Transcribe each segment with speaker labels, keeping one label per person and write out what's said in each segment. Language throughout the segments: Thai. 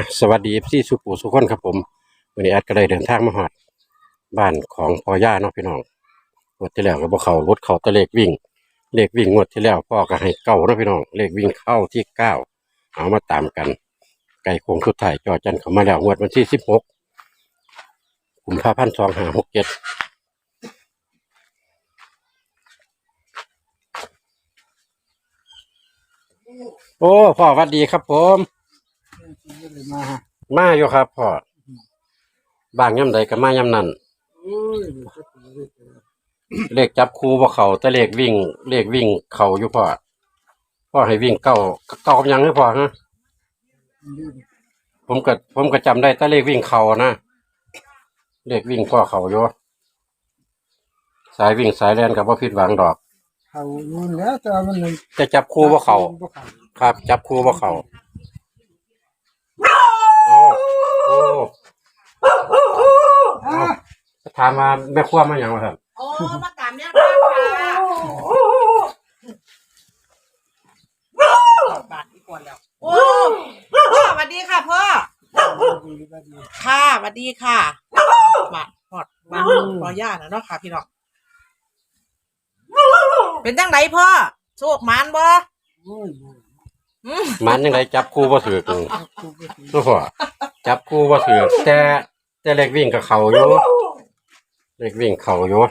Speaker 1: สวัสดีพี่สุปู่สุขคนครับผมวันนี้แอดก็ได้เดินทางมาฮอดบ้านของพ่อย่าเนาะพี่น้องงวดที่แล้วก็บ่เข้ารถเข้าแต่เลขวิ่งงวดที่แล้วพ่อก็ให้เก้าเนาะพี่น้องเลขวิ่งเข้าที่เก้าเอามาตามกันไก่โค้งสุดท้ายจอจันเข้ามาแล้วงวดวันที่16กุมภาพันธ์2567โอ้พ่อสวัสดีครับผมมาอยู่ครับพ่อบางย่ำใดก็มาย่ำนั้นเลขจับคู่บ่เข้าแต่เลขวิ่งเข้าอยู่พ่อให้วิ่งเก้ากับยังให้พ่อฮะผมก็จำได้แต่เลขวิ่งเข้านะเลขวิ่งพ่อเข้าอยู่สายวิ่งสายแล่นก็บ่ผิดหวังดอก
Speaker 2: เขานู่นแล้วแต่มัน
Speaker 1: จะจับคู่บ่เข้าครับจับคู่บ่เข้าโอ้ถามมาแม่ครัวมาอย่างไรครับ
Speaker 3: โอ้มาตามเนี่ยค่ะบาทที่ก่อนแล้วโอ้พ่อสวัสดีค่ะพ่อค่ะสวัสดีค่ะมาหอดมาพ่อย่านะเนาะค่ะพี่น้องเป็นจังไหนพ่อโชคมานบ่
Speaker 1: มันยังไงจับคู่บ่ถือกูพ่อจับคู่บ่ถือแต่เลขวิ่งกับเขาอยู่เลขวิ่งเขาอยู่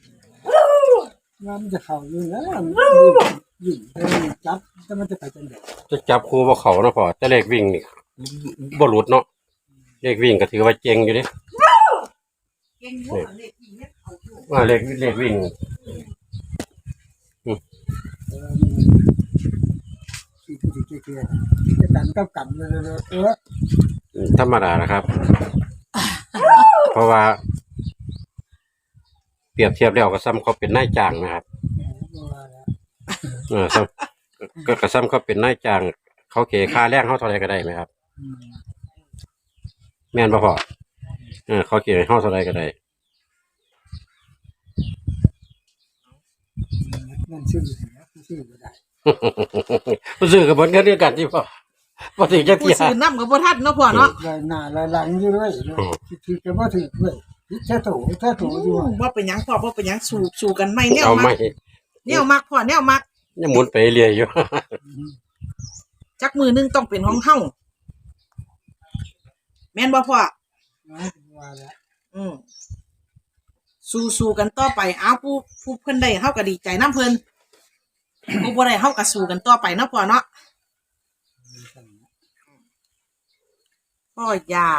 Speaker 2: มันจะเข่าอยู่แล้วยิ่งจับแต่มันจะไปจังได๋
Speaker 1: จะจับคู่บ่เขาเนาะพ่อแต่เลขวิ่งนี่บ่หลุดเนาะเลขวิ่งก็ถือว่าเจ๋งอยู่ดิ
Speaker 3: เก่งอยู่เลขวิ่งเนี่ยเขาอยู่
Speaker 1: ว่าเลขวิ่ง
Speaker 2: ที่เกี่ยวกันกับกัน
Speaker 1: ธรรมดานะครับเพราะว่าเปรียบเทียบแล้วก็ซ้ำเขาเป็นนายจ้างนะครับก็ซ้ำเขาเป็นนายจ้างเขาเกค่าแรงเขาเท่าไรก็ได้ไหมครับแม่นบ่พอเขาเกเขาเท่าไรก็ได้
Speaker 2: นั่นชื่อก็ได้
Speaker 1: ผู้ซื้อกับผลกันเดียวกันที่พอถึงจะเที่ย
Speaker 3: ผู้ซื้อน้ำกับบ่ทันเนาะพ่อเนาะ
Speaker 2: หน้าหลังอยู่ด้วยคิดก็บ่ถึงด้วยแค่ถูอยู่
Speaker 3: ว่าเป็นหยังพ่อว่าเป็นหยังสู่กันไม่แนวมักพ่อแนวมัก
Speaker 1: ยังหมุนไปเรื่อยอยู่
Speaker 3: จักมือนึงต้องเป็นของเฮาแม่นบ่พ่อสู้กันต่อไปเอาผู้เพิ่นได้เฮาก็ดีใจนำเพิ่นผู้บ่ได้เฮาก็สู้กันต่อไปเนาะพ่อเนาะพ่อยา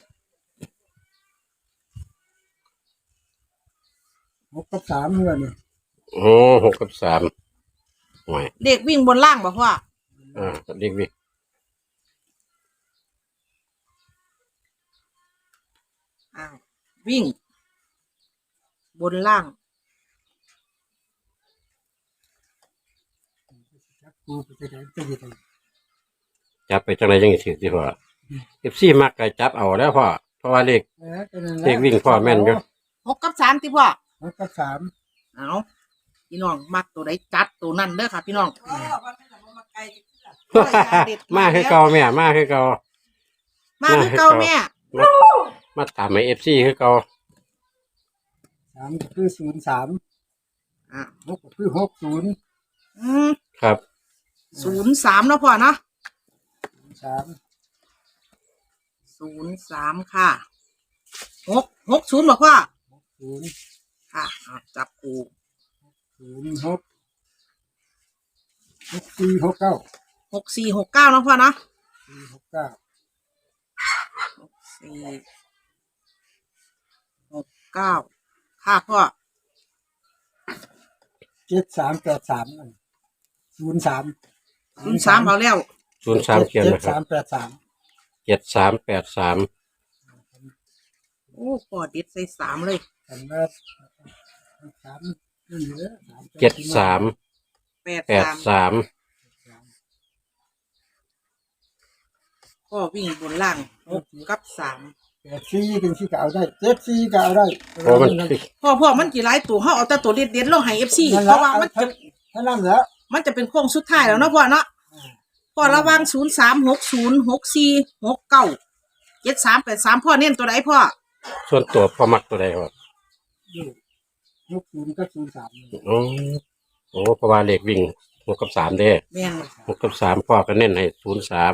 Speaker 2: 6 กับ 3เมื่อนี่
Speaker 1: โอ้6 กับ 3หน่อย
Speaker 3: เด็กวิ่งบนล่างบ่พ่อ
Speaker 1: เด็กวิ่ง
Speaker 3: วิ่งบนล่าง
Speaker 1: จับไปจังไรยังถือที่พ่อFCมักก็จับเอาแล้วพ่อเพราะว่าเลขวิ่งพ่อแม่นอยู่
Speaker 3: 6 กับ 3ติพ่อ
Speaker 2: 6 กับ 3
Speaker 3: เอาพี่น้องมักตัวใดจัดตัวนั้นเด้อค่ะพี่น้อง
Speaker 1: มาคือเก่าแม่มาคือเก่า
Speaker 3: แม่
Speaker 1: มาตามให้ FC คือเก่า
Speaker 2: 3ก็คือ036ก็คือ60
Speaker 1: ครับ
Speaker 3: 03เนาะพ่อเนาะ03ค่ะ60บ่พ่อ60ค่ะจับคู่
Speaker 2: 06 6469
Speaker 3: 6469เนาะพ่อเนาะ6469ค่ะพ่อ
Speaker 2: 7383
Speaker 3: 03เอาแล้ว
Speaker 1: 03เขียนนะครับ7383
Speaker 3: โอ้พ่อเด็ดใส่3เลย
Speaker 1: 7383
Speaker 3: ก็วิ่งบนล่าง6 กับ 3
Speaker 2: 84ถึงที่ก็เอาได้74ก็เอาได้
Speaker 3: พ่อมันกี่หลายตัวเฮาเอาแต่ตัวเด็ดๆลงให้ FC เพราะว่ามันจะ
Speaker 2: เท่านั้นแล้ว
Speaker 3: มันจะเป็นโค้งสุดท้ายแล้วเนาะพ่อเนาะพ่อระวัง03606469 7383พ่อเน้นตัวไหนพ่อ
Speaker 1: ส่วนตัวพ่อมักตัวใดครับ
Speaker 2: ยกศูนย์ก็ศูนย์สาม
Speaker 1: อ๋อโอ้เพราะว่าเลขวิ่ง6กับ3เด้
Speaker 3: แม่น
Speaker 1: 6กับ3พ่อก็เน้นให้03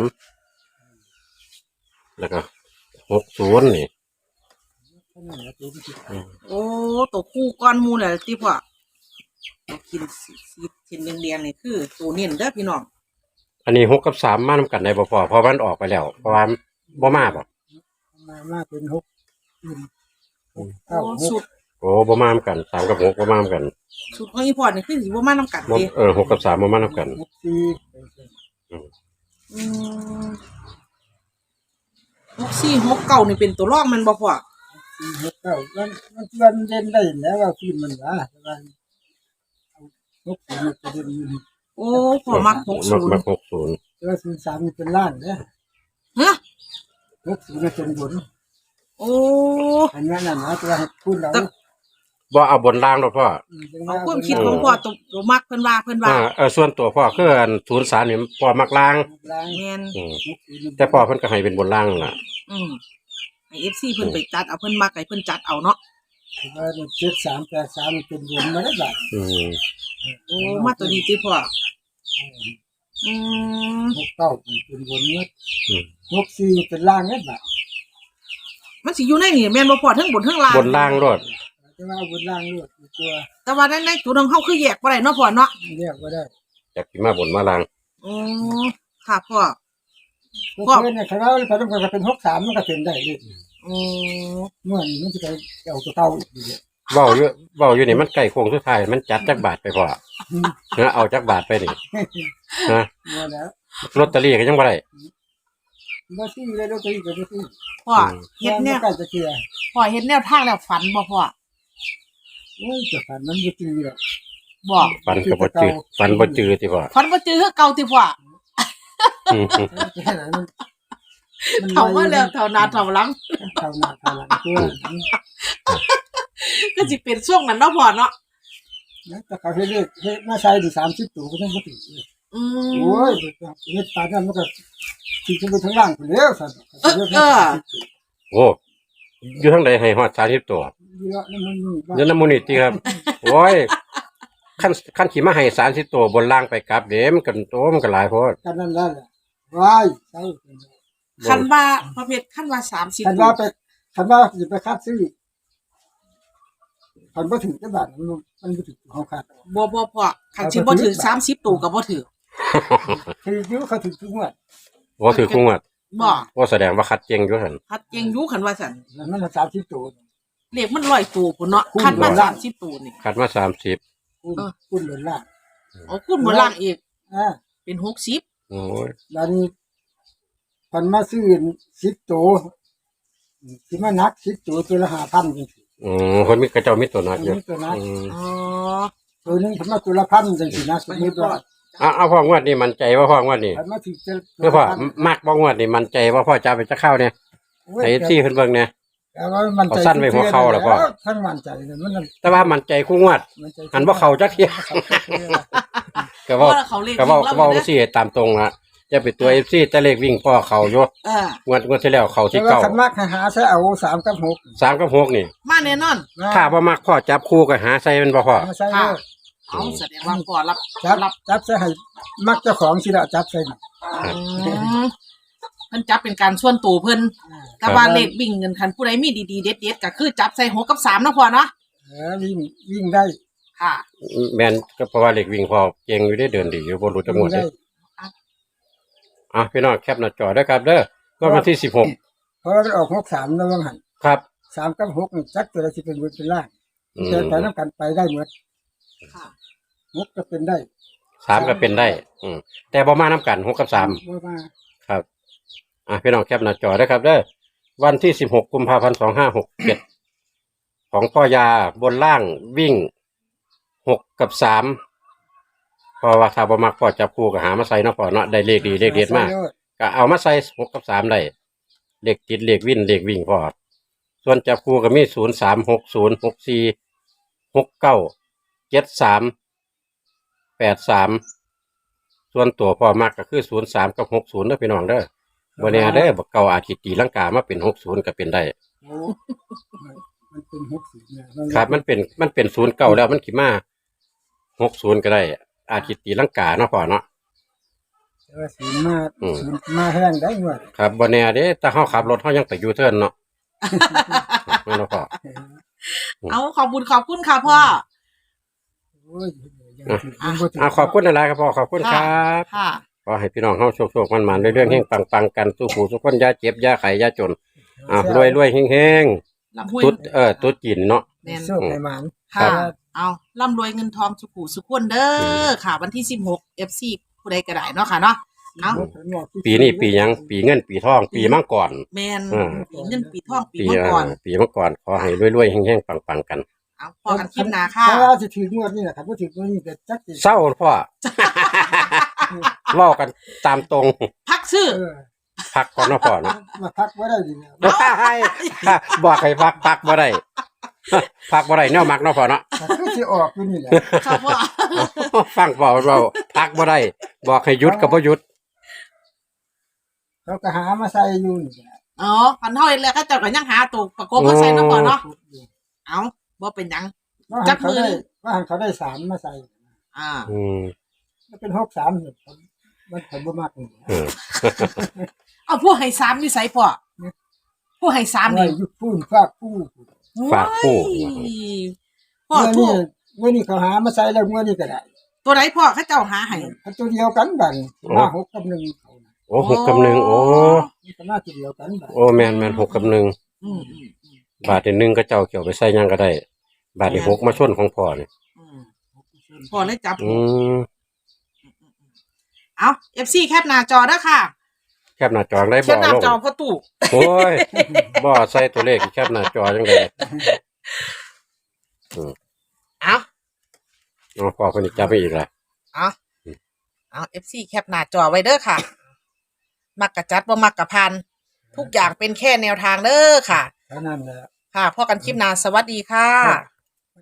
Speaker 1: แล้วก็60นี่
Speaker 2: นั่นแหละตัวที่
Speaker 3: โอ้ตัวคู่ก้อนหมูแหละที่พ่อตัวกินสีชิ้นแดงๆนี่คือตัวเน้นเด้อพี่น้อง
Speaker 1: อันนี้6กับ3มานำกันได้บ่พอเพราะมันออกไปแล้ว เพราะว่าบ่มาบ่
Speaker 2: มาเป็นหกอื่นหก
Speaker 3: โอ้
Speaker 2: เก้าห
Speaker 3: สุ
Speaker 2: ก
Speaker 3: ด
Speaker 1: โอ้บ่มานำกัน3กับ6บ่มานำกัน
Speaker 3: สุดของอีพอร์ตนี่คือสิบ่มานำกัน
Speaker 1: บ่
Speaker 3: เด้
Speaker 1: 6กับ3บ่มานำกัน
Speaker 2: หกสี่
Speaker 3: อืม6469นี่เป็นตัวรองมันบ่พ่อ
Speaker 2: สี่หกเก้ามันเด่นได้แล้วว่าฟิล์มมันว่าแต่ว่าหกศูนย์จะเด่นอยู่
Speaker 3: โอ้พ่อมัก
Speaker 1: มัก
Speaker 3: 60
Speaker 1: 60
Speaker 2: แต่ว่าศูนย์สามนี่เป็นล่างเนี่ย
Speaker 3: ฮะ
Speaker 2: หกศูนย์เป็นบน
Speaker 3: โอ้
Speaker 2: อันนั้นน่ะนะแต่ว่าพูดเรา
Speaker 1: บ่เอาบนล่างดอกพ่อ
Speaker 3: เอาความคิดของพ่อตัวมักเพิ่นว่า
Speaker 1: ส่วนตัวพ่อคืออัน03นี่พ่อมักล่าง
Speaker 2: ล่าง
Speaker 3: แม่น
Speaker 1: อืม
Speaker 2: หกศูนย์
Speaker 1: แต่พ่อเพิ่นก็ให้เป็นบนล่างล่ะ
Speaker 3: อืมให้ FC เพิ่นไปจัดเอาเพิ่นมักให้เพิ่นจัดเอาเนาะ
Speaker 2: แต่ว่าเจ็ดสามแปดสามเป็นบนมาได้แบบ
Speaker 1: อืม
Speaker 3: โอ้มาตัวดีติพ่ออืม
Speaker 2: หกเก้าเป็นบนเมื่อ
Speaker 1: อืม
Speaker 2: หกสี่เป็นล่างเนี่ยแบบ
Speaker 3: มันสิอยู่ในนี่แม่นบ่พ่อทั้งบนทั้งล่าง
Speaker 1: บนล่างรถ
Speaker 2: แต่ว่าบนล่างเลือดตัว
Speaker 3: แต่ว่าในจุดของเฮาคือแยกบ่ได้เนาะพ่อเนาะ
Speaker 2: เรียกว่าได้
Speaker 1: จากสิมาบนมาล่าง
Speaker 3: อ๋อค่ะพ่อ
Speaker 2: เพราะเนี่ยเขาไปต้องการเป็นหกสามมันก็เป็นได้เลย
Speaker 3: อ๋อ
Speaker 2: เมื่อนี้มันจะไปเอาตัวเก่าอีกเดียว
Speaker 1: เว้าอยู่นี่มันใกล้โค้งสุดท้ายมันจัดจักบาทไปพ่อเนะเอาจักบาทไปนี่นะ
Speaker 2: เมื่อแล้ว
Speaker 1: ลอตเตอรี่ก็ยังบ่ได้
Speaker 2: มาที่เลยเราตีกับมาที่
Speaker 3: พ่อเฮ็ดแนว
Speaker 2: ใกล้จะเกียร์
Speaker 3: พ่อเฮ็ดแนวทางแล้วฝันบ่พ่อ
Speaker 2: โอ้ยจะฝันมันจะตีหรอก
Speaker 3: บ่
Speaker 1: ฟันก็บ่จืดฟันบ่จืดติพ่อ
Speaker 3: ฝันบ่เจอคือเก่าติพ่อ
Speaker 1: อืม
Speaker 2: แค่ไหนมัน
Speaker 3: เท่ามาแล้วเท่าหน้าเท่าหลัง
Speaker 2: เท่าหน้าเท่าหลังตัว
Speaker 3: ก็สิเป็นช่วงนั้นเนาะพ่อเนาะ
Speaker 2: แต่เขาเรียกมาใช้ดู30ตัวก็ต้องมาตี
Speaker 3: อืม
Speaker 2: โอ้ยเฮ็ดปานนั้นมันก็ตีขึ้นไปทั้งล่างไปแล้วสั่น
Speaker 1: โอ้อยู่ทางใดให้ฮอด30ตัว
Speaker 2: เยอะนั่นมัน
Speaker 1: อยู่นำมูลนิธิครับโอ้ยคันสิมาให้30ตัวบนล่างไปกลับเด้มันก็โตมันก็หลายโพด
Speaker 2: กันนั่นแหละว้ายใช่
Speaker 3: คันว่าประเภทคันว่า30
Speaker 2: คันว่าไปคันว่าจะไปคาดซื้อคันบ่ถึงจังบาทมันบ่ถึงเฮาคาด
Speaker 3: บ่พ่อคันสิบ่ถึง30ตัวก็บ่ถึง
Speaker 2: คืออยู่เขาถึงทุกงวด
Speaker 1: บ่ถือคุงอ่ะ
Speaker 3: บ่
Speaker 1: บ่แสดงว่าคัดเจงอยู่หั่น
Speaker 3: คัดเก่งอยู่คันว่าซั่น
Speaker 2: แล้วมัน30ตัว
Speaker 3: เลขมัน100ตัวพุ่นเนาะคันว่า30ตัวนี่
Speaker 1: คัดมา30
Speaker 2: คุณหล่นล่าง
Speaker 3: โอ้คุณบ่ล่างอีก เป็น60
Speaker 1: โอ้ย
Speaker 2: แล้วนี่คันมาซื้อ10ตัวสิมานัก10ตัวตัวละ5,000จังซี่
Speaker 1: คนมีกระเจ้ามีตัวนักอยู่
Speaker 2: ตัวนัก
Speaker 3: อ๋อ
Speaker 2: ตัวนึงคันมาตัวละ1,000จังซี่นะสมมุติว่า
Speaker 1: เอาพ่องวดนี่มั่นใจว่าพ่องวดนี่
Speaker 2: คันมาถึงจะ
Speaker 1: เมื่อพ่อมักบ่งวดนี่มั่นใจว่าพ่อจะเอาไปจะเข้าเนี่ยไอ้ที่เพิ่นเบิ่งเนี่ย
Speaker 2: แต่ว่ามันใจ
Speaker 1: เอาสั้นไว้หัวเข่าแล้วก็
Speaker 2: ทั้งมั่นใจเนี่ยมัน
Speaker 1: แต่ว่ามั่นใจคู่งวด หันบ่เข้าจักเที่ย ก็
Speaker 3: เพราะ
Speaker 1: เว่า
Speaker 3: ว่าเขาเลข
Speaker 1: ก็เว้า
Speaker 3: วิ่ง
Speaker 1: ก็
Speaker 3: แล้ว
Speaker 1: เว้า
Speaker 3: นะ
Speaker 1: สิตามตรงละจะเป็นตัว FC แต่เลขวิ่งพ่อเข้าอยู่
Speaker 3: เออง
Speaker 1: วดที่แล้วเข้า
Speaker 2: แต่
Speaker 1: ที่
Speaker 2: ว่า
Speaker 1: เก้า
Speaker 2: คันมากให้หาใช้เอา3กับ6
Speaker 1: 3กับ6นี่
Speaker 3: มาแน่นอน
Speaker 1: ถ้าบ่มักพ่อจับคู่ก็หาใส่มันบ่พ่อ
Speaker 2: มาใช้
Speaker 3: ค่ะ
Speaker 2: เลย
Speaker 3: เอาแสดงว่าพ่อรับ
Speaker 2: จับใช้ให้มักเจ้าของสิละจับใส่น่ะ
Speaker 3: อืมเพิ่นจับเป็นการส่วนตัวเพิ่นแต่ว่าเลขวิ่งเงินคันผู้ใดมีดีๆเด็ดๆก็คือจับใส่6กับ3เนาะพ่อเนาะ
Speaker 2: วิ่งได้
Speaker 3: ค่ะ
Speaker 1: แม่นก็เพราะว่าเลขวิ่งพ่อเก่งอยู่ได้เดินดีอยู่บ่รู้จักงวดเด้พี่น้องแคปหน้าจอด้วยครับเด้อวันที่16
Speaker 2: เพราะว่ามันออก63แล้วว่าหั่น
Speaker 1: ครับ
Speaker 2: 3กับ6นี่จักตัวละสิเป็นบนเป็นล่าง
Speaker 1: อืม
Speaker 2: แต่ไปนำกันไปได้หมด
Speaker 3: ค่ะ
Speaker 2: 6ก็เป็นได้
Speaker 1: 3ก็เป็นได้แต่บ่มานํกัน6กับ3
Speaker 2: บ่มา
Speaker 1: ครับพี่น้องแคปหน้าจอด้วยครับเด้อวันที่16 กุมภาพันธ์ 2567ของพ่อยาบนล่างวิ่ง6กับ3เพราะว่าถ้าบ่มักพ่อจับคู่ก็หามาใส่เนาะพ่อเนาะได้เลขดีเลขเด็ดมากก็เอามาใส่6กับ3ได้เลขติดเลขวิ่งเลขวิ่งพ่อส่วนจับคู่ก็มี03 60 64 69 73 83ส่วนตัวพ่อมักก็คือ03กับ60เด้อพี่น้องเด้อบ่แน่เด้อบ่เก่าอาจสิตีลังกามาเป็น60ก็เป็นได้
Speaker 2: โอ้มันเป็น60เนี่ย
Speaker 1: ครับมันเป็น0เก่าแล้วมันสิมา60ก็ได้อาจสิตีลังกาเนาะพ่อเนาะ
Speaker 2: แต่ว่าศูนย์มาแห้งได้หมด
Speaker 1: ครับบ่แน่เด้ถ้าเฮาขับรถเฮายังไปยูเทิร์นเนาะแม่นบ่พ่อ
Speaker 3: เอาขอบคุณค่ะพ่อ
Speaker 2: โอ้ยยังบ่ถึง
Speaker 1: ขอบคุณหลายๆครับพ่อขอบคุณครับ
Speaker 3: ค่ะ
Speaker 1: ขอให้พี่น้องเฮาโชคๆมันๆเรื่องๆเฮงปังๆกันสู้ผู้ทุกคนอย่าเจ็บอย่าไข้อย่าจนรวยๆเฮง
Speaker 3: ลำห้วย
Speaker 1: ๆตุ๊ดจีนเนาะ
Speaker 3: แม่น
Speaker 2: โชคให้หมาน
Speaker 3: ค่ะ เอาร่ำรวยเงินทองสุขุสุขวนเด้อค่ะ วันที่16 FC ผู้ใดก็ได้เนาะค่ะเนาะเอา
Speaker 1: ปีนี้ปีหยังปีเงินปีทองปีมังกร
Speaker 3: แมน
Speaker 1: อืม
Speaker 3: ปีเงินปีทองปี
Speaker 1: ปี
Speaker 3: มังกร
Speaker 1: ปีมังกรขอให้รวยๆเฮงๆปังๆกัน
Speaker 3: เอาพอกันคลิปหน้าค่ะ
Speaker 2: ถ้าสิถึงงวดนี้นะครับบ่ถึงงวดนี้ก็จักสิ
Speaker 1: เศร้าพ่อ เล่ากันตามตรง
Speaker 3: พักชื่อ
Speaker 1: พักก่อนเนาะพ่อเนาะ
Speaker 2: มาพักบ่ได้อยู่เนี่ย
Speaker 1: บอกให้พักบ่ได้ พักบ่ได้แนวมักเนาะพ่อเนาะ
Speaker 2: คือสิออกอยู่นี่แหละ
Speaker 3: ครับพ่อ
Speaker 1: ฟังพ่อเว้าพักบ่ได้บอกให้หยุดก็บ่หยุด
Speaker 2: เขาก็หามาใส่อยู่นี่แหละ
Speaker 3: อ๋อพันเท่าเองแล้วก็เจ้าก็ยังหาตัวประกบมาใส่เนาะพ่อเนาะเอาบ่เป็นหยัง จักมือ
Speaker 2: ว่าหันเขาได้3มาใส่
Speaker 3: อ่า
Speaker 1: อืม
Speaker 2: มันเป็น63เนี่ยผมบ่มักนี่
Speaker 1: เออ
Speaker 3: เอาผู้ให้3นี่ใส่พ่อผู้ให้3
Speaker 2: ไว้
Speaker 3: นี่
Speaker 2: อยู่พูนฝากผู้
Speaker 1: ฝากผู้
Speaker 3: โอ้ยพ่อ
Speaker 2: เมื่อ
Speaker 3: ทู
Speaker 2: นี้เมื่อนี้เขาหามาใส่แล้วเมื่อนี้ก็ได้
Speaker 3: ตัวไหนพ่อเขาเจ้าหาให้
Speaker 2: อันตัวเดียวกันบัดมา6กับ1เขาน่ะ
Speaker 1: โอ้6กับ1โอ้
Speaker 2: มันก็มาตัวเดียวกันบัด
Speaker 1: โอ้แม่น6กับ1
Speaker 3: อืม
Speaker 1: บาทที่1ก็เจ้าเกี่ยวไปใส่หยังก็ได้ บาทที่6มาชนของพ่อนี่
Speaker 3: พ่อเลยจับ
Speaker 1: อืม
Speaker 3: เอา FC แคปหน้าจอเด้อค่ะ
Speaker 1: แคบหน้าจอได้
Speaker 3: แค
Speaker 1: บ่
Speaker 3: ปหน้า
Speaker 1: ลง
Speaker 3: จอพ่อตู่
Speaker 1: โอ้ยบ่ใส่ตัวเลขแคบหน้าจอจังได๋
Speaker 3: เอา
Speaker 1: เอาพ่อคนนี้จับไปอีกล่ะ
Speaker 3: เอา FC แคปหน้าจอไว้เด้อค่ะ มักกะจัดบ่มักกะพัน ทุกอย่างเป็นแค่แนวทางเด้อค่ะ
Speaker 2: เท่านั้นแหละ
Speaker 3: ค่ะพอกันคลิปหน้าสวัสดีค่ะ